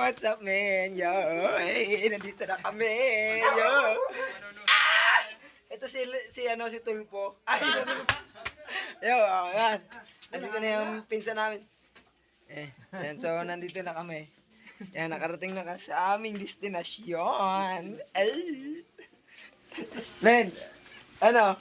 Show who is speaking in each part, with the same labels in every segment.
Speaker 1: what's up, man? Yo, hey, nandito na kami. Yo. Ito si Tulpo. Ay, yo, yan. Nandito na yung pinsan namin. Yan, so nandito na kami. Yan, nakarating na sa aming destinasyon. Ay. Men, ano?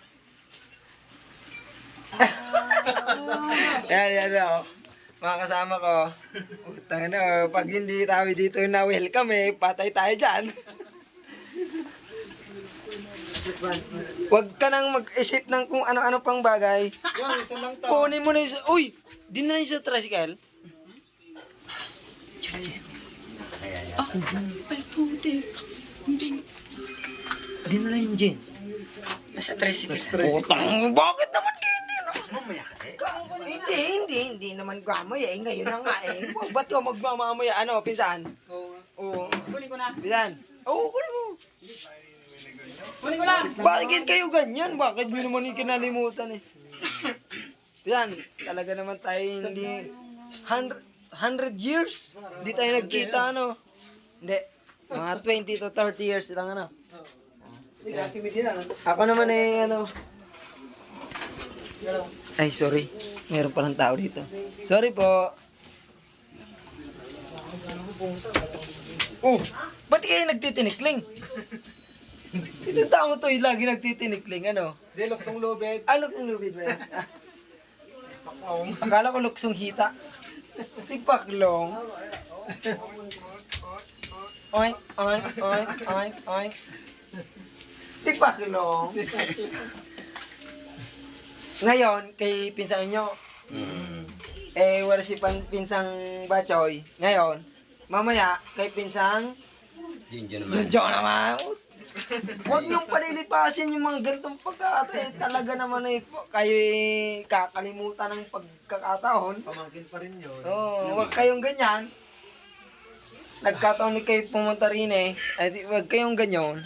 Speaker 1: yan, mga kasama ko. Utang pag hindi tayo dito na welcome patay tayo dyan. Huwag ka nang mag-isip ng kung ano-ano pang bagay. Kunin mo na yung... Uy! Di na yung sa tricycle? Ay, puti. Di na lang yung gin. Nasa tricycle. Utang, bakit naman hindi? Mamaya kasi. Hindi naman gamaya ngayon na nga Ba't ka magmamamaya? Ano, pinsan? Oo.
Speaker 2: Kunin ko na.
Speaker 1: Pinsan? Oo, kunin mo.
Speaker 2: Kunin ko lang.
Speaker 1: Bakit kayo ganyan? Bakit nyo naman yung kinalimutan Pinsan, talaga naman tayo hindi... 100 years? Hindi tayo nagkita, ano? Hindi. Mga 20 to 30 years lang, ano? Ako naman ano... Ay, sorry. Meron palang tao dito. Sorry po. Ba't kayo nagtitinikling? Ito tao to, lagi nagtitinikling, ano?
Speaker 3: Di, luksong lubid.
Speaker 1: Luksong lubid ba yan? Akala ko luksong hita. Tipaklong. Oink, oink, oink, oink, oink. Tipaklong. Ngayon, kay pinsang nyo, wala si pinsang Bachoy. Ngayon, mamaya, kay pinsang Junjo naman. Huwag niyong palilipasin yung mga ganitong pagkakataon. Talaga naman kayo kakalimutan ng pagkakataon.
Speaker 3: Pamangkin pa rin yun.
Speaker 1: Huwag kayong ganyan. Nagkataon ni kayo pumunta rin huwag kayong ganyan.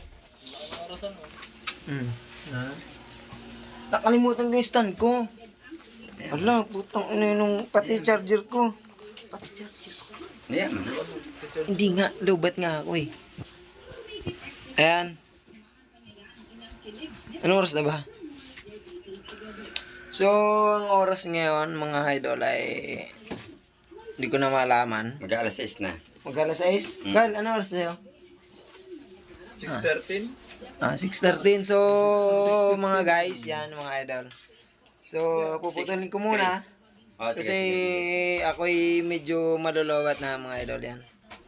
Speaker 1: Nakalimutan ko yung stand ko. Ala, putang nung pati charger ko. Hindi nga, lubat nga ako Ayan. Anong oras na ba? So, ang oras ngayon, mga idol, ay hindi ko na malaman.
Speaker 4: Mag-alas 6 na.
Speaker 1: Mag-alas 6? Carl, anong oras sa'yo?
Speaker 3: 6:13?
Speaker 1: 6:13. So, mga guys, yan, mga idol. So, puputulin ko muna. Kasi ako'y medyo malulowat na, mga idol, yan.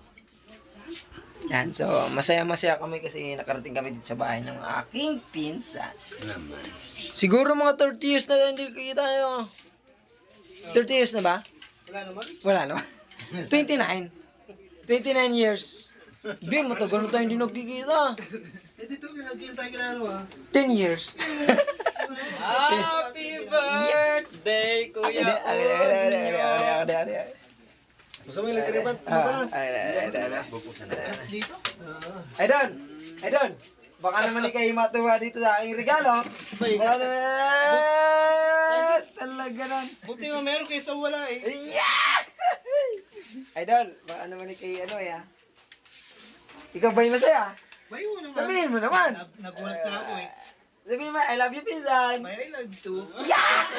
Speaker 1: Yan, so masaya-masaya kami kasi nakarating kami dito sa bahay ng aking pinsan. Siguro mga 30 years na hindi kita tayo. 30 years na ba? Wala naman. 29 years. Di, matagal na tayo hindi nagkikita.
Speaker 3: Dito, pinagkita tayo kinalo
Speaker 1: 10 years.
Speaker 2: Happy birthday, Kuya
Speaker 3: Gusto mo yung lagriban? Mabalas.
Speaker 1: Idol, baka naman kayo matuwa dito sa aking regalo. Talaga nun.
Speaker 3: Buti nga meron kaysa wala
Speaker 1: Yeah! Idol, baka naman kayo Ikaw ba yung masaya?
Speaker 3: Bayo naman.
Speaker 1: Sabihin mo naman.
Speaker 3: Nagulat na ako
Speaker 1: Sabihin mo, I love you, pinsan.
Speaker 3: I love you too.
Speaker 1: Yeah!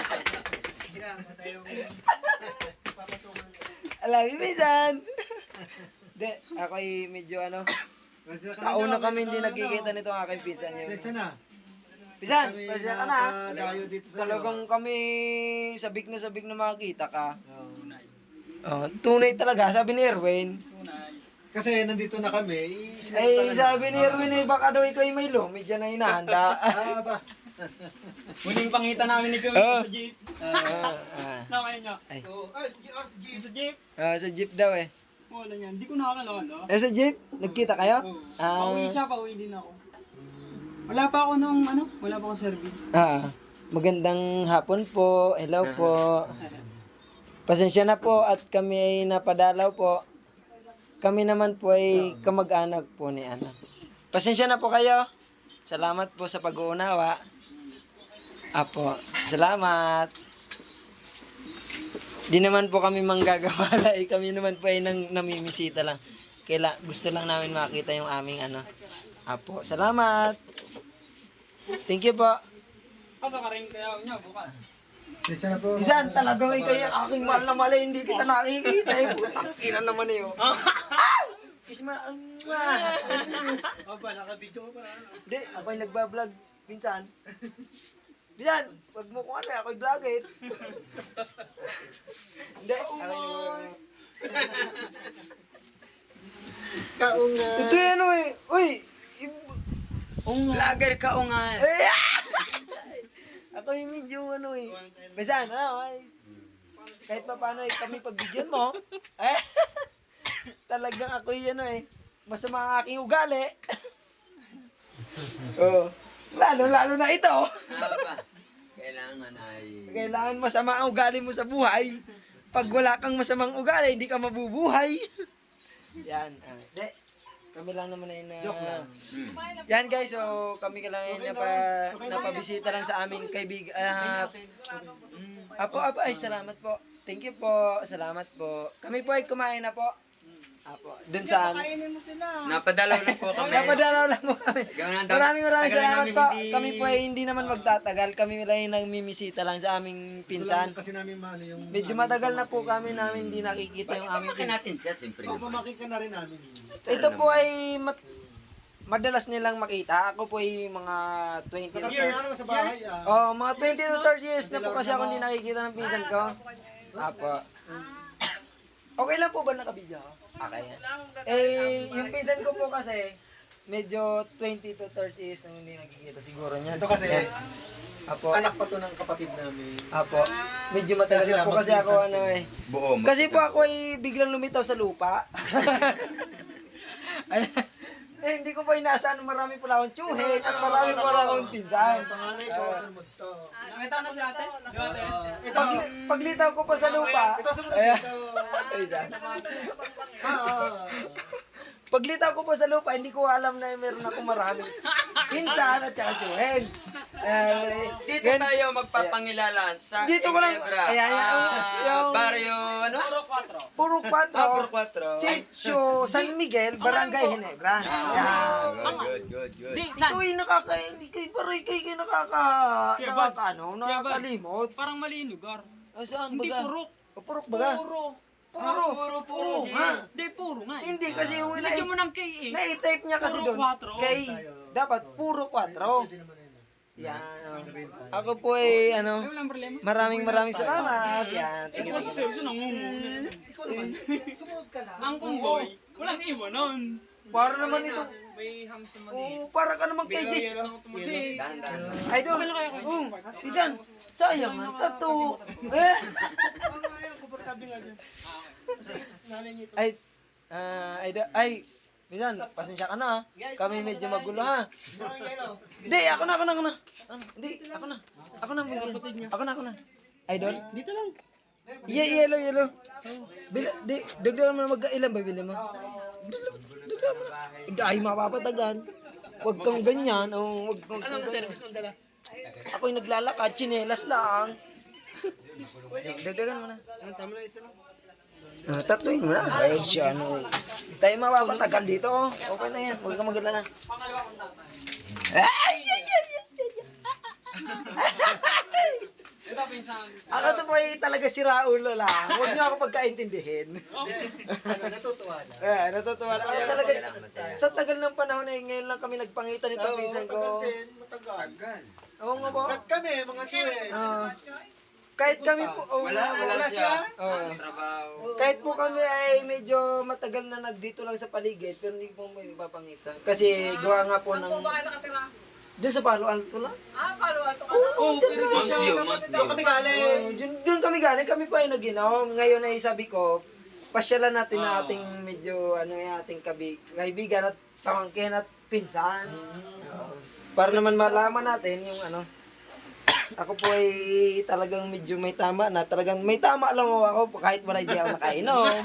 Speaker 1: I love you, pinsan. Hindi, ako'y medyo taon na kami hindi nagkikita nito ang aking pinsan.
Speaker 3: Saan na?
Speaker 1: Pinsan, pasya ka na.
Speaker 3: Dayo dito sa
Speaker 1: Talagang kami sabik na makakita ka. Tunay talaga, sabi ni Erwin.
Speaker 3: Kasi nandito na kami.
Speaker 1: Sabi ni Erwin baka daw ikaw may lumid dyan na hinahanda.
Speaker 3: Ba?
Speaker 2: Muling pangita namin ni Kuya sa jeep. Nakain niya. Sa jeep.
Speaker 1: Sa jeep daw
Speaker 2: Wala niyan. Hindi ko nakakalala.
Speaker 1: sa jeep? Nagkita kayo?
Speaker 2: Pauwi siya, pauwi din ako. Wala pa ako wala pa akong service.
Speaker 1: Magandang hapon po. Hello po. Pasensya na po at kami ay napadalaw po. Kami naman po ay kamag-anak po ni Pasensya na po kayo. Salamat po sa pag-uunawa. Apo, salamat. Di naman po kami manggagawala eh. Kami naman po ay namimisita lang. Gusto lang namin makita yung aming ano. Apo, salamat. Thank you po.
Speaker 2: Pasok ka rin kaya niya bukas.
Speaker 3: Isa na po.
Speaker 1: Isan, talagang ikay aking mahal na mali, hindi kita nakikita eh. Putang ina naman eh. Kiss mo.
Speaker 3: Opa, naka-video ko pa na.
Speaker 1: Hindi, ako'y nagbablog. Pinsan. Pinsan, wag mo kung ano, ako'y vlogger. Hindi, ako'y
Speaker 3: Kaunga.
Speaker 1: ito yan ano eh. Uy!
Speaker 2: Vlogger ka o nga.
Speaker 1: Eh! Ako yung medyo ano eh. Pinsan, ano ay. Kahit pa paano eh, kami pagbigyan mo. Eh! Talagang ako yung ano eh. Masama ang aking ugali. Oo. Lalo na ito.
Speaker 2: Kailangan ay...
Speaker 1: Kailangan masama ang ugali mo sa buhay. Pag wala kang masamang ugali, hindi ka mabubuhay. Yan. Kami lang naman ay na...
Speaker 3: Joke lang.
Speaker 1: Yan guys, so kami ka lang ay napabisita lang sa aming kaibigan. Apo, ay salamat po. Thank you po. Salamat po. Kami po ay kumain na po. Apo, dun sa amin.
Speaker 4: Kainin mo sila.
Speaker 2: Napadalaw lang po kami.
Speaker 1: Napadalaw lang po kami. Maraming
Speaker 2: Tagal
Speaker 1: salamat
Speaker 2: namin
Speaker 1: po.
Speaker 2: hindi-
Speaker 1: Kami po ay hindi naman magtatagal. Kami lang ay nagmimisita lang sa aming pinsan.
Speaker 3: Kasi namin mahal yung...
Speaker 1: Medyo matagal na po kami namin hindi nakikita yung aming
Speaker 2: Bakit
Speaker 1: pinsan.
Speaker 2: natin siya, siyempre.
Speaker 3: Oh, pamakin ka na rin namin.
Speaker 1: Ito po ay madalas nilang makita. Ako po ay mga 20 to
Speaker 3: Years. Sa bahay,
Speaker 1: Oh, mga 20 to 30 years na po kasi ako hindi nakikita ng pinsan ko. Apo. Okay lang po ba nakabidyo ako? Okay yan. Eh, yung pinsan ko po kasi, medyo 20 to 30 years na hindi nakikita siguro niyan.
Speaker 3: Ito kasi,
Speaker 1: Apo.
Speaker 3: anak pa to ng kapatid namin.
Speaker 1: Apo. Medyo matagal
Speaker 3: Kaya
Speaker 1: na po
Speaker 3: sila
Speaker 1: kasi ako
Speaker 3: magpinsan
Speaker 1: ano
Speaker 3: sila.
Speaker 1: eh.
Speaker 2: Buo.
Speaker 1: Kasi po ako ay biglang lumitaw sa lupa. Ay, hindi ko pa inaasahan marami pala akong tsuhin at marami pala akong pinsan.
Speaker 3: Ang panganay ko, ano mo to?
Speaker 2: Nakita na si ate? Di ba ate?
Speaker 3: Ito,
Speaker 1: Paglitaw ko pa sa lupa.
Speaker 3: ito sumunod
Speaker 1: Ayan.
Speaker 3: dito.
Speaker 1: Ay, isa.
Speaker 3: Ah.
Speaker 1: Paglitaw ko pa sa lupa, hindi ko alam na meron ako marami pinsan at saka tsuhin.
Speaker 2: Dito tayo magpapangilala sa
Speaker 1: Dito ko lang-
Speaker 2: Ginebra.
Speaker 1: ayan, yung-
Speaker 2: Barrio, ano?
Speaker 1: Puro 4.
Speaker 2: Puro 4.
Speaker 1: Sitio San Miguel, Barangay Ginebra. Yan.
Speaker 2: Good.
Speaker 1: Ikaw ay nakakalimot.
Speaker 2: Parang mali yung lugar.
Speaker 1: O saan
Speaker 2: Hindi
Speaker 1: baga?
Speaker 2: purok.
Speaker 1: O, purok baga? Puro. Ha?
Speaker 2: Hindi, puro nga.
Speaker 1: Hindi kasi yung
Speaker 2: Lagyan mo ng KA.
Speaker 1: na-type niya kasi
Speaker 2: Puro
Speaker 1: doon.
Speaker 2: 4.
Speaker 1: Kay, dapat puro 4.
Speaker 3: Pwede naman yun.
Speaker 1: Yan. Ako po ay,
Speaker 2: Ay, walang problema.
Speaker 1: maraming salamat. Yan. Thank you.
Speaker 2: Kasi seryoso nangungo.
Speaker 3: Ikaw naman, sumunod ka lang.
Speaker 2: Ang kumboy, walang iwanan.
Speaker 1: Para naman ito.
Speaker 2: May hams naman
Speaker 1: Oh, para ka naman kay Jess.
Speaker 2: Kasi,
Speaker 1: Idol. Isan, sayang ang tattoo.
Speaker 3: Ayaw, komportable nga dyan.
Speaker 1: Ay, Bisan, pasensya ka na ha. Kami medyo magulo ha. Hindi, ako na. Hindi, ako na. Ako na. Idol? Dito lang. Yellow. Dagdagan mo na ilan ba bili mo? Dagdagan mo na. Ay, mapapatagan. Huwag kang ganyan. Huwag kang ganyan. Ako'y naglalakad, tsinelas lang. Dagdagan mo na.
Speaker 3: Tama na isa lang.
Speaker 1: Tatuin mo na. Ay, siya, ano. Tayo mapapatagal dito. Okay na yan. Huwag kang magalala. Ay!
Speaker 2: ito pinsan.
Speaker 1: Ako to po ay talaga siraulo lang. Huwag niyo ako pagkaintindihin.
Speaker 3: Natutuwa na.
Speaker 1: Natutuwa na. Ako talaga, sa tagal ng panahon ay ngayon lang kami nagpangitan nito, pinsan ko.
Speaker 3: Matagal.
Speaker 1: Oo nga po.
Speaker 3: At kami, mga tsuwe.
Speaker 1: Kahit kami po,
Speaker 2: Wala siya.
Speaker 1: Oo.
Speaker 2: Trabaho.
Speaker 1: Kahit po kami ay medyo matagal na nagdito lang sa paligid, pero hindi po may papangitan. Kasi gawa nga po ng... Doon sa Palo Alto lang.
Speaker 4: Palo Alto ka
Speaker 2: Oh, pero di siya.
Speaker 3: Doon kami galing.
Speaker 1: Doon kami galing, kami pa ay nag-inom. Ngayon ay sabi ko, pasyalan natin na ating medyo, ating kaibigan at pamangkin at pinsan. Para naman malaman natin yung ako po ay talagang medyo may tama na. Talagang may tama lang ako kahit wala hindi ako nakainom.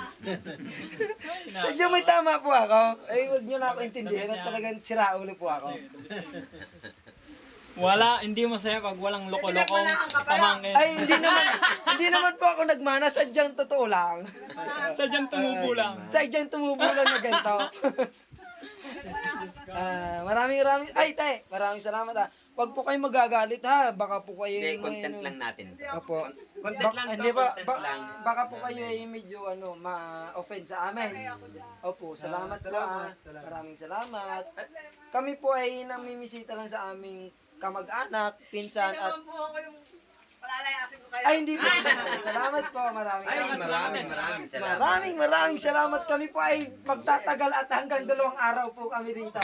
Speaker 1: Sadya may tama po ako. Ay, wag nyo na ako intindihin at talagang siraulo po ako.
Speaker 2: Wala, hindi masaya pag walang loko-lokong pamangkin.
Speaker 1: Ay, hindi naman po ako nagmana, sadyang totoo lang.
Speaker 2: Sadyang tumubo lang.
Speaker 1: Sadyang tumubo lang na ganito. Maraming salamat ha. Huwag po kayo magagalit ha. Baka po kayo
Speaker 4: Hindi, content lang natin.
Speaker 1: Opo.
Speaker 3: Content lang
Speaker 1: Hindi
Speaker 3: to,
Speaker 1: ba,
Speaker 3: content lang.
Speaker 1: baka po kayo ay medyo ma-offend sa amin. Opo, salamat po ha.
Speaker 3: salamat.
Speaker 1: Maraming salamat. Kami po ay namimisita lang sa aming kamag-anak, pinsan at
Speaker 5: po ako yung palalayasin ko kayo.
Speaker 1: ay hindi po. Salamat po, maraming
Speaker 4: Ay,
Speaker 1: salamat.
Speaker 4: maraming salamat.
Speaker 1: Maraming salamat. Kami po ay magtatagal at hanggang 2 araw po kami rito.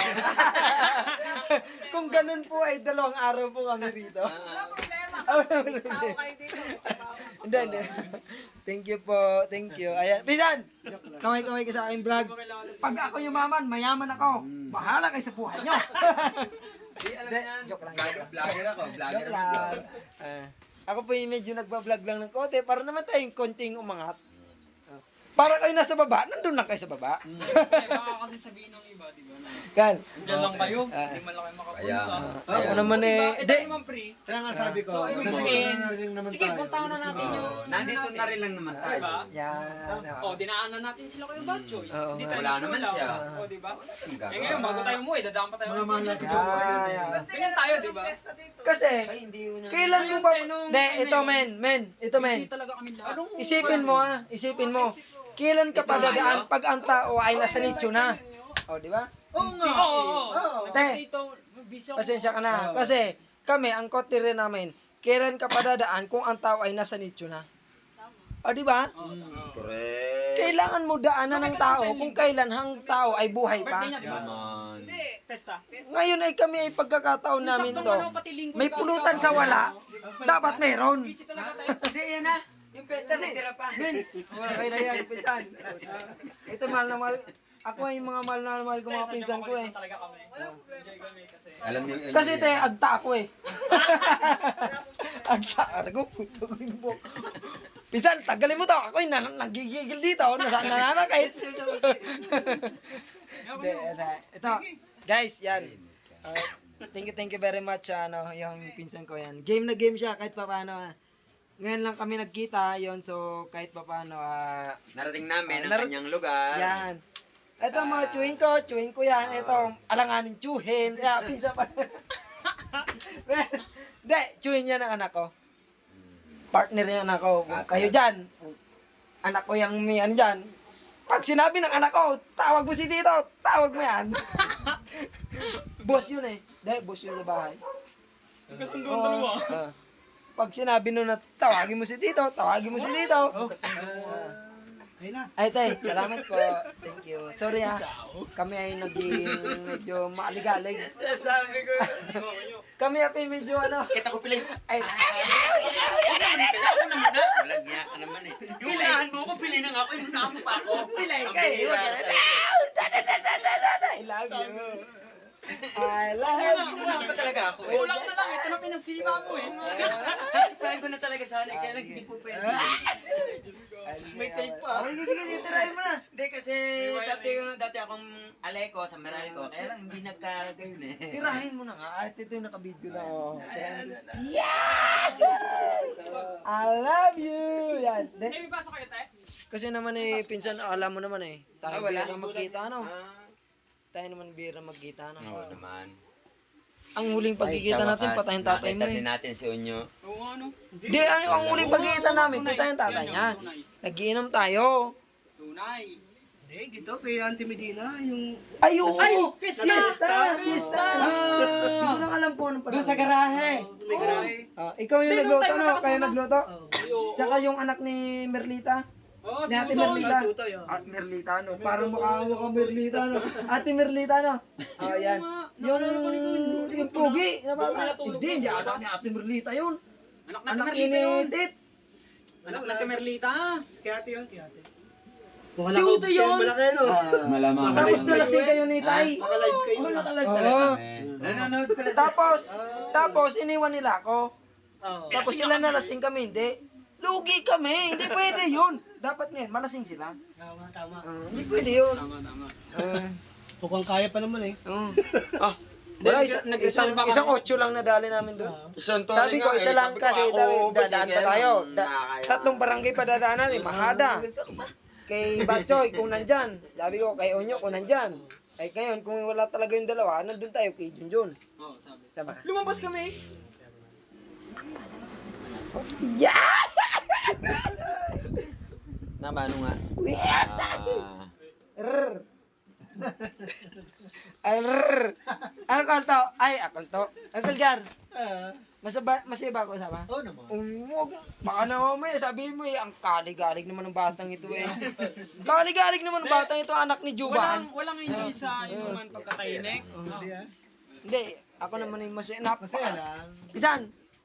Speaker 1: Kung ganun po ay 2 araw po kami rito.
Speaker 5: Wala problema. Tao kayo dito.
Speaker 1: Hindi. Thank you po. Thank you. Ayan. Pisan! Kamay-kamay ka sa aking vlog. Pag ako yumaman, mayaman ako. Bahala kayo sa buhay nyo.
Speaker 4: Hindi, alam
Speaker 1: Hindi,
Speaker 4: yan.
Speaker 1: joke lang.
Speaker 4: Vlogger ako. Vlogger
Speaker 1: Joke
Speaker 4: ako.
Speaker 1: lang. Ako po yung medyo nagbablog lang ng konti para naman tayong konting umangat. Para kayo nasa baba, nandun lang kayo sa baba.
Speaker 2: Baka kasi sabihin ng iba, di ba?
Speaker 1: Kan.
Speaker 2: Diyan lang kayo, hindi man lang kayo makapunta.
Speaker 1: Ako naman eh.
Speaker 2: Ito
Speaker 1: Hindi.
Speaker 2: naman pre.
Speaker 3: Kaya nga sabi ko,
Speaker 2: So, ibig
Speaker 3: nandito
Speaker 2: sabihin,
Speaker 3: na rin naman
Speaker 2: sige,
Speaker 3: tayo.
Speaker 2: puntahan na natin yung...
Speaker 4: Nandito na rin lang naman tayo.
Speaker 2: Diba?
Speaker 1: Yan.
Speaker 2: Oh, dinaanan natin sila kayo Batchoy.
Speaker 1: Oo,
Speaker 2: Hindi
Speaker 1: nga.
Speaker 2: tayo
Speaker 4: Wala naman
Speaker 2: nagtulaw.
Speaker 4: siya.
Speaker 2: Oh, di ba?
Speaker 4: Ang
Speaker 2: Eh ngayon, bago tayo umuwi, dadaan pa tayo.
Speaker 3: Mga mahal natin sa
Speaker 1: Yeah,
Speaker 3: buhay yun eh.
Speaker 1: yeah.
Speaker 2: Ganyan tayo, di ba?
Speaker 1: Kasi,
Speaker 4: Ay, hindi yun.
Speaker 1: kailan mo ba...
Speaker 2: Ayun, nung-
Speaker 1: Hindi, ito men. Ito men.
Speaker 2: Busy talaga kami lahat.
Speaker 1: Isipin mo. Kailan ka pa dadaan pag ang tao ay nasa nicho na? O, di ba?
Speaker 3: Oo nga.
Speaker 2: Oo.
Speaker 1: Te.
Speaker 2: Dito, busy ako.
Speaker 1: Pasensya ka na. Kasi, kami, ang kote rin namin, kailan ka pa dadaan kung ang tao ay nasa nicho na? O, di ba?
Speaker 4: Correct.
Speaker 1: Kailangan mo daanan ng tao kung kailan ang tao ay buhay pa.
Speaker 2: Birthday niya, di ba?
Speaker 4: Naman.
Speaker 2: Festa.
Speaker 1: Ngayon ay kami ay pagkakataon namin
Speaker 2: Saktong
Speaker 1: to.
Speaker 2: ano, pati lingkod
Speaker 1: May
Speaker 2: ka,
Speaker 1: pulutan
Speaker 2: ka.
Speaker 1: sa wala, dapat meron.
Speaker 2: Busy talaga tayo.
Speaker 4: Hindi, yan na. Yung pesta, nagtira pa.
Speaker 1: Min, wala kayo na yan, pinsan. Ito, mahal na mahal. Ako ay mga mahal na mahal ko mga pinsan ko eh.
Speaker 2: Talaga kami. Enjoy kami kasi.
Speaker 4: Alam niyo,
Speaker 1: Kasi te, agta ako eh. Agta, argo, puto ko yung buhok. Pinsan, tagalin mo to. Ako ay nagigigil dito. Nananakit. Hindi, ito. Guys, yan. Thank you very much, yung pinsan ko yan. Game na game siya, kahit pa paano. Ngayon lang kami nagkita, yon so kahit pa paano,
Speaker 4: narating namin ang
Speaker 1: Nar-
Speaker 4: kanyang lugar.
Speaker 1: yan. Ito mga chewing ko yan. Ito, alanganin chuhin. Kaya, pinsan pa. Hindi, chewin yan ang anak ko. Partner yan anak ko. Kayo dyan. Anak ko yung may ano dyan. Pag sinabi ng anak ko, tawag mo si Tito, tawag mo yan. Boss yun eh. Hindi, boss yun sa bahay.
Speaker 2: Kasundo ang dalawa.
Speaker 1: Pag sinabi nun na tawagin mo si Tito, tawagin mo si Tito.
Speaker 3: Ayun na.
Speaker 1: Ay, tay, salamat po. Thank you. Sorry ha. Kami ay naging medyo maaligalig.
Speaker 4: Sabi ko,
Speaker 1: Kami ay medyo ano.
Speaker 4: kita ko pala yung...
Speaker 1: Ay,
Speaker 4: Kaya ako naman na. Walang niya ka naman eh. Yung unahan mo ko, pili na nga ako. Yung unahan mo pa ako.
Speaker 1: Pilay
Speaker 4: Ang
Speaker 1: ka eh.
Speaker 4: bihira talaga.
Speaker 1: I love you. I love you.
Speaker 4: Unahan pa talaga ako eh.
Speaker 2: Kulang na lang, ito na pinagsima mo eh.
Speaker 4: Sipahin ko na talaga sana. Kaya lang hindi po pwede.
Speaker 1: May tape pa. Sige, sige, try mo na.
Speaker 4: Hindi kasi dati akong aleko sa Meralco. Kaya lang hindi nagkagayon eh.
Speaker 1: Tirahin mo na nga. At ito yung naka-video na. Oh. Yeah! I love you. Yan.
Speaker 2: May pasok kayo tayo?
Speaker 1: Kasi naman eh, pinsan, alam mo naman eh. Tayo
Speaker 4: wala.
Speaker 1: bira magkita, ano?
Speaker 4: Ah,
Speaker 1: Tayo naman bira magkita, ano?
Speaker 4: oo naman.
Speaker 1: Ang huling pagkikita natin, patayin tatay mo
Speaker 4: Nakita
Speaker 1: eh.
Speaker 4: din natin si Unyo.
Speaker 2: Oo nga no.
Speaker 1: Di, ang huling pagkikita namin, patayin tatay niya. Nagiinom tayo.
Speaker 2: Tunay.
Speaker 3: Hindi, dito kay Auntie Medina, yung...
Speaker 1: Ay, oo!
Speaker 2: Ay, fiesta!
Speaker 1: Fiesta! Hindi ko lang alam po anong panahon. Doon sa
Speaker 3: May garahe.
Speaker 1: ikaw yung
Speaker 2: Hindi,
Speaker 1: nagluto,
Speaker 2: nung time
Speaker 1: no?
Speaker 2: na
Speaker 1: Kayo
Speaker 2: nakasama.
Speaker 1: nagluto?
Speaker 2: Oo.
Speaker 1: Tsaka yung anak ni Merlita.
Speaker 2: Oo,
Speaker 1: Ni Ate
Speaker 2: si Utoy.
Speaker 1: Merlita.
Speaker 3: Si Utoy, oh.
Speaker 1: Merlita, no? Parang mukha Merlita, no? Ate Merlita, no? Oh, yan. Yung pugi na bata. Hindi anak ni Ate Merlita yun.
Speaker 2: Anak na
Speaker 1: Anak
Speaker 2: Merlita yun.
Speaker 1: ni Tit.
Speaker 2: Anak na Merlita.
Speaker 3: Si Ate yun, si Ate.
Speaker 2: Si Utoy yun.
Speaker 3: Malaki, no?
Speaker 4: Malamang.
Speaker 1: Tapos nalasing kayo ni Tay.
Speaker 3: Naka-live kayo.
Speaker 1: Oo.
Speaker 4: Nanonood pala sa...
Speaker 1: Tapos iniwan nila ako.
Speaker 3: Oo.
Speaker 1: Tapos sila nalasing kami, hindi. Lugi kami, hindi pwede yun. Dapat ngayon, malasing sila.
Speaker 3: Tama, tama.
Speaker 1: Hindi pwede yun.
Speaker 2: Tama, tama.
Speaker 3: Mukhang kaya pa naman eh.
Speaker 1: Oo. Wala, isang 8 lang nadali namin doon. Sabi ko, isa lang kasi dadaan pa tayo. Tatlong barangay pa dadaanan, Mahada. Kay Batchoy, kung nandyan. Sabi ko, kay Onyo, kung nandyan. Ay ngayon, kung wala talaga yung dalawa, nandun tayo kay Junjun.
Speaker 2: Oo, sabi.
Speaker 1: Sama.
Speaker 2: Lumabas kami.
Speaker 1: Yeah!
Speaker 4: Ano nga?
Speaker 1: Rrr. Rrr. Ano kanto? Ay, akalto. Uncle Gar, masaya ko sama?
Speaker 3: Oo naman.
Speaker 1: Baka naman mo sabihin mo ang kaligalig naman ng batang ito Kaligalig naman ng batang ito, anak ni Juban.
Speaker 2: Walang hindi sa inuman pagkatainik.
Speaker 1: Hindi, ako naman yung masaya.
Speaker 3: Masaya lang.
Speaker 1: Isan,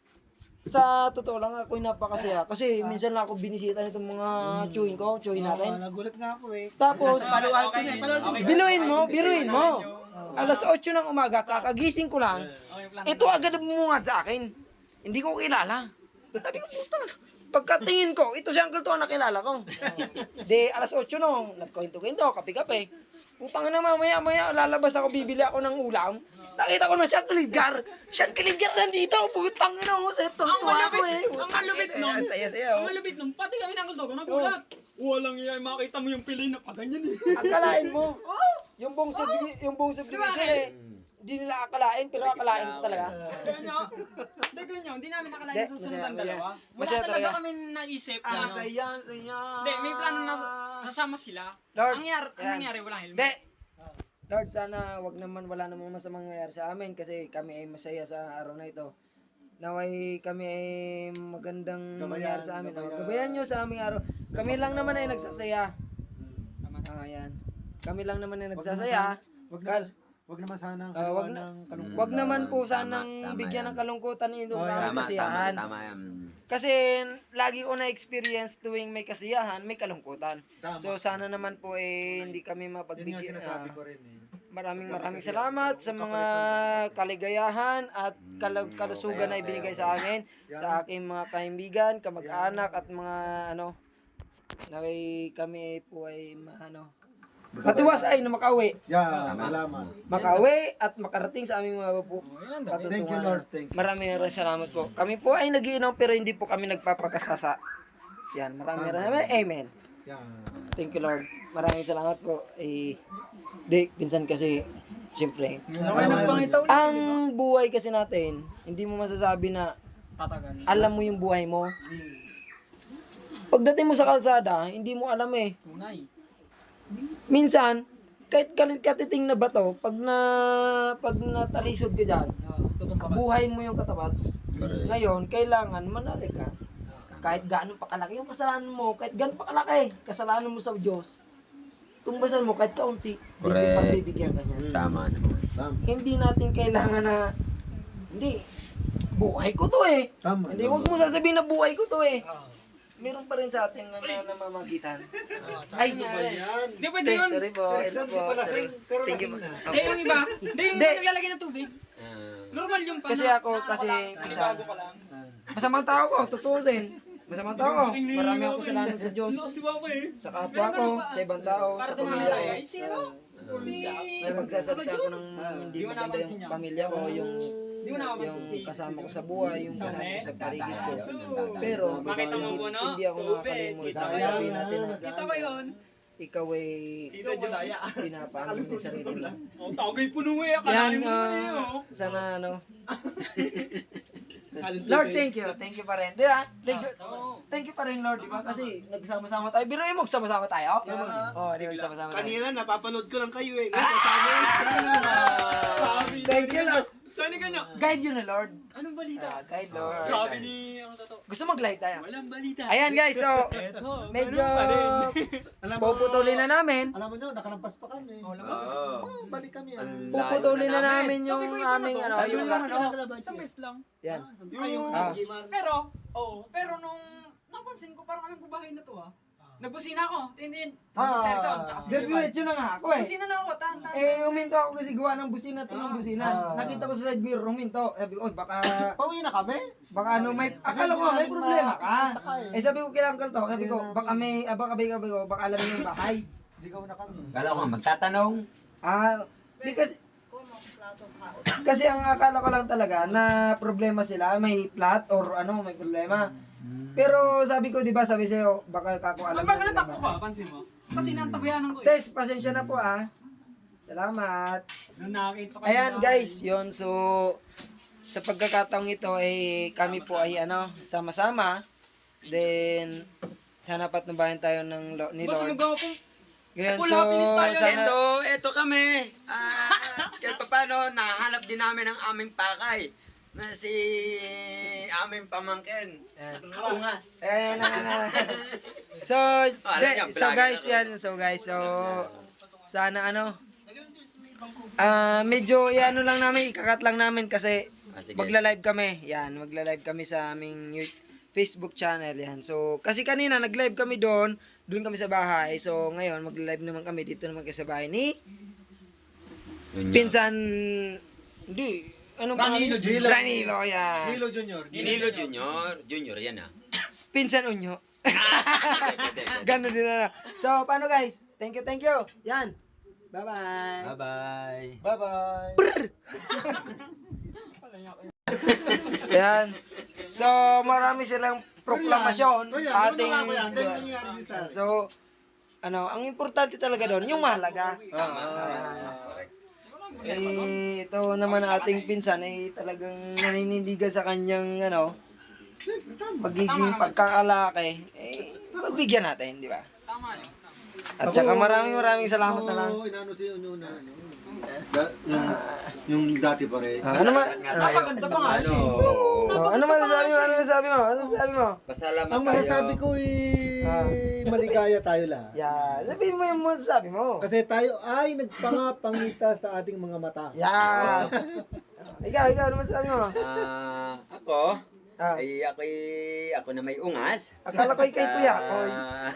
Speaker 1: sa totoo lang ako'y napakasaya. Kasi minsan lang ako binisita nitong mga chewin natin.
Speaker 3: Nagulat nga ako eh.
Speaker 1: Tapos,
Speaker 3: Paluan ko na eh.
Speaker 1: biruin mo. Alas 8 ng umaga, kakagising ko lang. Ito agad bumungad sa akin. Hindi ko kilala. Sabi ko, puta na. Pagkatingin ko, ito si Uncle to ang nakilala ko. De, alas 8 nung, nagkwento-kwento, kape-kape. Putang na mamaya, lalabas ako, bibili ako ng ulam. Nakita ko na si Uncle Edgar. Si Uncle Edgar nandito, putang na ako. Tuwa ako eh.
Speaker 2: Ang malupit nun.
Speaker 1: Saya-saya.
Speaker 2: Ang malupit nun. Pati kami ng Uncle Dogo, nagulat. Walang iya, makita mo yung pilay na paganyan eh.
Speaker 1: Akalain mo. Yung buong subdivision eh. Hindi nila akalain, pero akalain ko talaga.
Speaker 2: Ganyan, hindi namin nakalain sa susunod ang dalawa. Wala
Speaker 1: Masaya
Speaker 2: talaga
Speaker 1: talaga.
Speaker 2: kami naisip na ano.
Speaker 1: Saya.
Speaker 2: Hindi, may plano na sasama sila.
Speaker 1: Lord,
Speaker 2: Ang
Speaker 1: yan.
Speaker 2: nangyari, walang helmet.
Speaker 1: Hindi. Lord, sana wala namang masamang nangyayari sa amin kasi kami ay masaya sa araw na ito. Naway kami ay magandang mangyari sa amin. Gabayan nyo sa aming araw. Kami lang naman ay nagsasaya. Ayan. Kami lang naman ay nagsasaya.
Speaker 3: Wag naman sana
Speaker 1: Wag naman po sanang bigyan ng kalungkutan ito ng kasiyahan.
Speaker 4: Tama yan.
Speaker 1: Kasi lagi ko na-experience tuwing may kasiyahan, may kalungkutan. So sana naman po hindi kami mapagbigyan.
Speaker 3: ko rin eh.
Speaker 1: Maraming salamat sa mga kaligayahan at kalusugan na ibinigay sa amin, sa aking mga kaibigan, kamag-anak at mga na kami po ay matiwasay na makauwi.
Speaker 3: Salamat.
Speaker 1: Makauwi at makarating sa aming mga patutunguhan.
Speaker 3: Thank you, Lord. Thank you.
Speaker 1: Maraming salamat po. Kami po ay nagiinom pero hindi po kami nagpapakasasa. Yan, maraming salamat. Amen. Thank you, Lord. Maraming salamat po. Pinsan kasi, siyempre, ang buhay kasi natin, hindi mo masasabi na
Speaker 2: Tatagan.
Speaker 1: alam mo yung buhay mo. Pagdating mo sa kalsada, hindi mo alam eh.
Speaker 2: Tunay.
Speaker 1: Minsan, kahit katiting na bato, pag natalisod ka dyan, buhay mo yung katapat. Ngayon, kailangan manali ka. Kahit gaano pa kalaki yung kasalanan mo, kahit gaano pa kalaki, kasalanan mo sa Diyos, tumbasan mo kahit kaunti, pagbibigyan ka niya.
Speaker 4: Tama.
Speaker 1: Hindi natin kailangan na, buhay ko to eh.
Speaker 3: Tama.
Speaker 1: Hindi, wag mo sasabihin na buhay ko to eh. Meron pa rin sa ating namamagitan. Ay,
Speaker 2: Hindi pwede yun.
Speaker 1: sorry po.
Speaker 3: Exam, di pala sing, pero
Speaker 1: Thank you
Speaker 3: lasing na.
Speaker 2: Hindi yung iba. Hindi yung
Speaker 1: Hindi.
Speaker 2: naglalagay ng tubig. Normal yung
Speaker 1: Kasi ako, kasi minsan,
Speaker 2: bago ka lang.
Speaker 1: masamang tao ko, tutusin. Masamang tao ko. Marami akong kasalanan sa Diyos.
Speaker 2: Si Papa eh.
Speaker 1: Sa kapwa ko, sa ibang tao,
Speaker 2: Para
Speaker 1: sa pamilya ko.
Speaker 2: ay sino? Si...
Speaker 1: May magsasalita ako ng hindi
Speaker 2: Di mo
Speaker 1: maganda
Speaker 2: napansin
Speaker 1: yung
Speaker 2: niya.
Speaker 1: pamilya ko, yung
Speaker 2: Di mo napapansin si...
Speaker 1: kasama ko sa buhay, yung kasama ko sa paligid ko. Pero,
Speaker 2: Makita mo po, no?
Speaker 1: hindi ako
Speaker 2: Tubig.
Speaker 1: makakalimutan.
Speaker 2: Kita mo
Speaker 1: Sabihin
Speaker 2: yun.
Speaker 1: natin na
Speaker 2: Kita ba yun?
Speaker 1: ikaw ay
Speaker 2: Tito Judaya.
Speaker 1: pinapaano mo yung sarili mo.
Speaker 2: Oh, tagay puno eh.
Speaker 1: Yan,
Speaker 2: Akalain mo na eh. oh.
Speaker 1: sana Lord, thank you. Thank you pa rin. Di ba? Thank you pa rin, Lord. Di ba? Kasi nagsama-sama tayo. Biruin mo, magsama-sama tayo. Oo, di ba? Magsama-sama tayo.
Speaker 3: Kanina, napapanood ko lang kayo eh. Ngayon, kasama
Speaker 2: Sabi.
Speaker 1: Thank you, Lord.
Speaker 2: Saan ka nyo?
Speaker 1: Guide you na, Lord.
Speaker 2: Anong balita?
Speaker 1: Guide, Lord.
Speaker 2: Sabi ni... Ang totoo.
Speaker 1: Gusto mag-live tayo?
Speaker 2: Walang balita.
Speaker 1: Ayan, guys. So,
Speaker 2: Eto.
Speaker 1: medyo
Speaker 3: Alam mo,
Speaker 1: puputulin na namin.
Speaker 3: Alam mo nyo, nakalampas pa kami. Balik kami.
Speaker 1: Puputulin na namin yung
Speaker 2: Sabi ko,
Speaker 1: aming
Speaker 2: ito na to.
Speaker 1: yung
Speaker 2: Isang beses lang.
Speaker 1: yan.
Speaker 3: Yung
Speaker 1: Ah.
Speaker 2: Pero nung napansin ko, parang anong babae na to ah. Nagbusina ako. Tin.
Speaker 3: Ah.
Speaker 2: Serson, tsaka si Levi.
Speaker 1: Diretso na nga ako eh.
Speaker 2: Busina na ako, tan.
Speaker 1: Huminto ako kasi gawa ng busina to ng busina. Nakita ko sa side mirror, huminto. Sabi ko, baka
Speaker 3: Pauwi na kami.
Speaker 1: akala ko may problema ka. Sabi ko kailangan ka to. Sabi ko, baka alam mo yung bahay.
Speaker 3: Ligaw na kami.
Speaker 4: Kala ko nga magtatanong.
Speaker 1: Di kasi, Kasi ang akala ko lang talaga na problema sila, may flat or ano, may problema. Pero sabi ko, di ba, sabi sa'yo, baka kako alam
Speaker 2: Pag
Speaker 1: na
Speaker 2: natakbo ka, pansin mo. Kasi nantabayanan ko eh.
Speaker 1: Tess, pasensya na po Salamat.
Speaker 2: Nung nakakita ko.
Speaker 1: Ayan guys, yon so sa pagkakataong ito ay kami po ay sama-sama. Then sana patnubayan tayo ni
Speaker 2: Boss,
Speaker 1: Lord.
Speaker 2: magawa po.
Speaker 1: Ngayon
Speaker 2: Full
Speaker 1: so
Speaker 2: happiness tayo.
Speaker 1: sana
Speaker 4: Ito kami. Kahit paano, nahanap din namin ang aming pakay na si aming pamangkin. Kaungas.
Speaker 1: So,
Speaker 4: Alam niya,
Speaker 1: so guys,
Speaker 4: vlogger ako.
Speaker 1: so sana medyo lang namin, ikakat lang namin kasi
Speaker 4: Sige.
Speaker 1: magla-live kami. Yan, magla-live kami sa aming Facebook channel yan. So, kasi kanina nag-live kami doon kami sa bahay. So, ngayon magla-live naman kami dito naman kami sa bahay ni Pinsan hindi anong
Speaker 2: Danilo
Speaker 1: pangalan? Danilo, yan.
Speaker 3: Hilo Junior.
Speaker 4: Nilo Junior. Junior yan ah.
Speaker 1: Pinsan Unyo. Gano'n din na. So, paano guys? Thank you. Yan. Bye-bye.
Speaker 4: Bye-bye.
Speaker 3: Bye-bye.
Speaker 1: Yan. So, marami silang proklamasyon. Ating So, ang importante talaga doon, yung mahalaga. Ito naman ang ating pinsan ay talagang naninindigan sa kanyang pagiging pagkakalaki. Pagbigyan natin, di ba?
Speaker 2: Tama yun.
Speaker 1: At saka maraming salamat na lang.
Speaker 3: Inano si Unyo na yung dati pa rin.
Speaker 1: Ano man?
Speaker 2: Napaganda pa nga siya.
Speaker 1: Ano masasabi mo?
Speaker 4: Pasalamat
Speaker 3: Ang masasabi ko maligaya tayo lahat.
Speaker 1: Yan. Sabihin mo yung masasabi mo.
Speaker 3: Kasi tayo ay nagpangapangita sa ating mga mata.
Speaker 1: Yan. Ikaw, ano masasabi mo?
Speaker 4: Ako,
Speaker 1: Ah.
Speaker 4: ako na may ungas.
Speaker 1: Akala ko ikay kuya. Oy.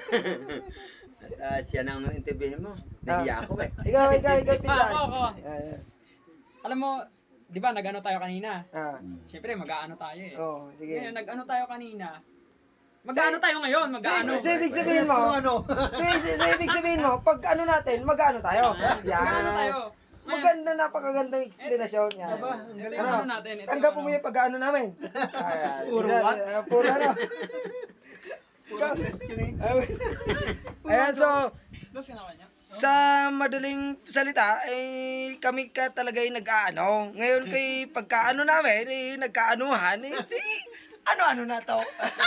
Speaker 4: Siya nang interviewin mo. Nahiya ako eh.
Speaker 1: Ikaw, pinsan.
Speaker 2: Ako.
Speaker 1: Yan.
Speaker 2: Alam mo, di ba nag-ano tayo kanina?
Speaker 1: Ah.
Speaker 2: Siyempre, mag-ano tayo eh.
Speaker 1: Oh, sige.
Speaker 2: Ngayon, nag-ano tayo kanina. Mag-ano tayo ngayon, mag-ano.
Speaker 1: So, ibig sabihin mo, so, ibig sabihin mo, pag ano natin, mag-ano tayo.
Speaker 2: Mag-ano tayo. Ngayon,
Speaker 1: Maganda, napakagandang explanation. Yan.
Speaker 2: ito yung ano natin. Ito
Speaker 1: Tanggap
Speaker 2: yung
Speaker 1: mo yung pag-ano namin. Puro what? Puro ano. Ayan, so,
Speaker 2: Dos ka na kanya?
Speaker 1: sa madaling salita, kami ka talaga yung nag-aano. Ngayon kay pagkaano namin, nagkaanuhan, ano-ano na to.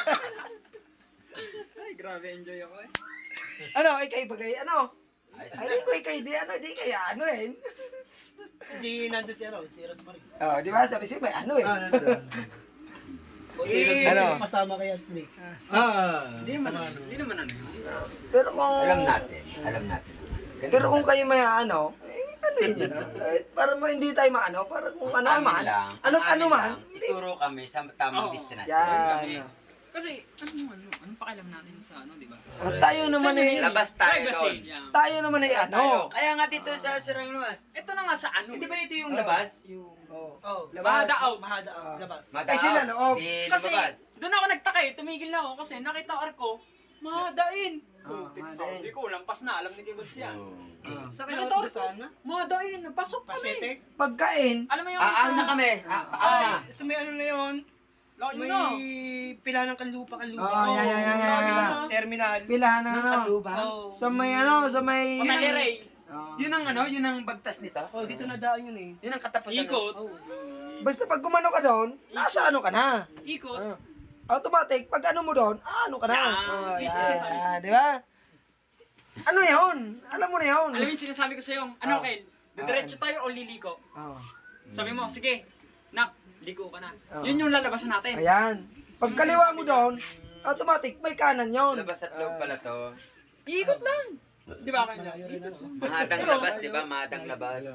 Speaker 2: Ay, grabe, enjoy ako eh.
Speaker 1: Ikay bagay, Ay, ko ikay di kaya
Speaker 3: Hindi nandun si Rosemary.
Speaker 1: Oh, di ba? Sabi siya, may ano
Speaker 3: Kasama kay Ashley.
Speaker 4: Hindi naman ano yun.
Speaker 1: Pero kung...
Speaker 4: Alam natin.
Speaker 1: Pero kung kayo may ano yun para mo hindi tayo maano, para kung ano man, ano man,
Speaker 4: Ituro kami sa tamang
Speaker 2: Oo.
Speaker 4: destinasyon.
Speaker 1: yan.
Speaker 2: Kasi, anong pakialam natin sa dito?
Speaker 1: Tayo naman
Speaker 4: Labas tayo doon.
Speaker 1: tayo naman ay ano.
Speaker 4: Kaya nga dito sa Sirang Luan.
Speaker 2: Ito na nga sa ano.
Speaker 4: Hindi ba ito yung labas?
Speaker 2: Mahadaaw.
Speaker 3: Labas.
Speaker 1: Ay, sila loob.
Speaker 4: Di
Speaker 2: Kasi,
Speaker 4: lumabas.
Speaker 2: doon ako nagtaka eh. Tumigil na ako kasi nakita ko arko, mahadain.
Speaker 1: mahadain.
Speaker 2: Sabi ko, lampas na. Alam ni Kibods yan.
Speaker 3: Sa
Speaker 2: Nakita ko arko, mahadain. Napasok kami.
Speaker 1: Pagkain,
Speaker 2: Alam mo yung
Speaker 4: Aang na kami.
Speaker 3: Sa may ano na yun,
Speaker 2: Yun na.
Speaker 3: pila ng kanlupa.
Speaker 1: yan.
Speaker 3: Terminal.
Speaker 1: Pila na sa may
Speaker 2: Pamaliray.
Speaker 4: Yun ang bagtas nito.
Speaker 3: Dito na daan yun eh.
Speaker 4: Yun ang katapusan.
Speaker 2: Ikot.
Speaker 1: Basta pag gumano ka doon, nasa ano ka na.
Speaker 2: Ikot.
Speaker 1: Automatic, pag ano mo doon, ano ka na.
Speaker 2: Yan.
Speaker 1: Di ba? Ano yun? Alam mo na yun.
Speaker 2: Alam mo yung sinasabi ko sa'yo, Kel, diretso tayo o liliko? Sabi mo, sige, nak, liko ka na. Yun yung lalabasan natin.
Speaker 1: Ayan. Pag kaliwa mo doon, automatic, may kanan yun.
Speaker 4: Labas at loob pala to.
Speaker 2: Ikot lang. Di ba kanya?
Speaker 4: Mahadang labas, di ba? Mahadang labas.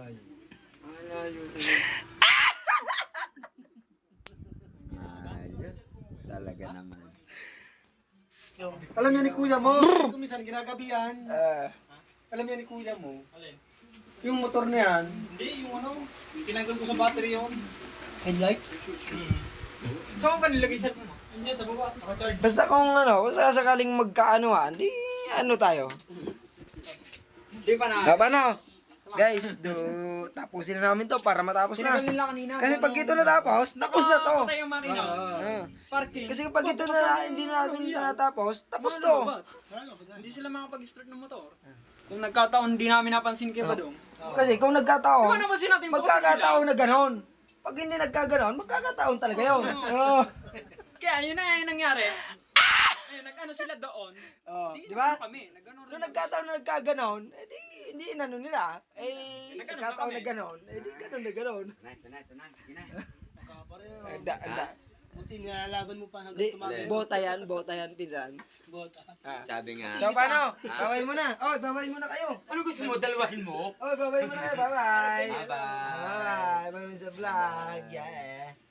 Speaker 4: Ayos. Talaga naman.
Speaker 3: Alam niya ni kuya mo, kung minsan ginagabihan, alam niya ni kuya mo, yung motor na yan, hindi, yung tinanggal ko sa battery yun. Headlight?
Speaker 2: Saan ka nilagay sa mo?
Speaker 3: Hindi, sa baba.
Speaker 1: Basta kung kung sakaling magkaanuhan, di ano tayo.
Speaker 2: Di pa na.
Speaker 1: Paano? Guys, tapusin na namin to para matapos na.
Speaker 2: Sinagal nila kanina.
Speaker 1: Kasi pag ito natapos, tapos na to.
Speaker 2: Patay yung makina.
Speaker 1: Ah.
Speaker 2: Parking.
Speaker 1: Kasi pag ito na hindi natin natapos, tapos to.
Speaker 2: Hindi sila makapag-start ng motor. Kung nagkataon, hindi namin napansin kay Badong.
Speaker 1: Kasi kung
Speaker 2: Di ba
Speaker 1: nagkataon,
Speaker 2: napansin natin bukas
Speaker 1: magkakataon na ganon. Pag hindi nagkaganon, magkakataon talaga yun. Oo.
Speaker 2: Kaya yun na yung nangyari. Eh, nag-ano sila doon.
Speaker 1: Di ba?
Speaker 2: Nag-ano kami. Nag-ano rin.
Speaker 1: Nung nagkataon na nagkaganon, hindi inano nila.
Speaker 2: Nagganon
Speaker 1: Nagkataon
Speaker 2: na
Speaker 1: na ganon, di ganon na ganon.
Speaker 4: Tunay, sige na.
Speaker 1: Anda.
Speaker 3: Buti nilalaban mo pa
Speaker 1: Di,
Speaker 3: hanggang
Speaker 1: bota yan, pinsan.
Speaker 4: Sabi nga.
Speaker 1: So, paano? Babay muna. Oh, babay muna kayo.
Speaker 4: Ano gusto mo? Dalawahin mo?
Speaker 1: Oh, babay muna kayo. Bye-bye.
Speaker 4: Bye-bye.
Speaker 1: Bye-bye. Maraming sa vlog. Yeah.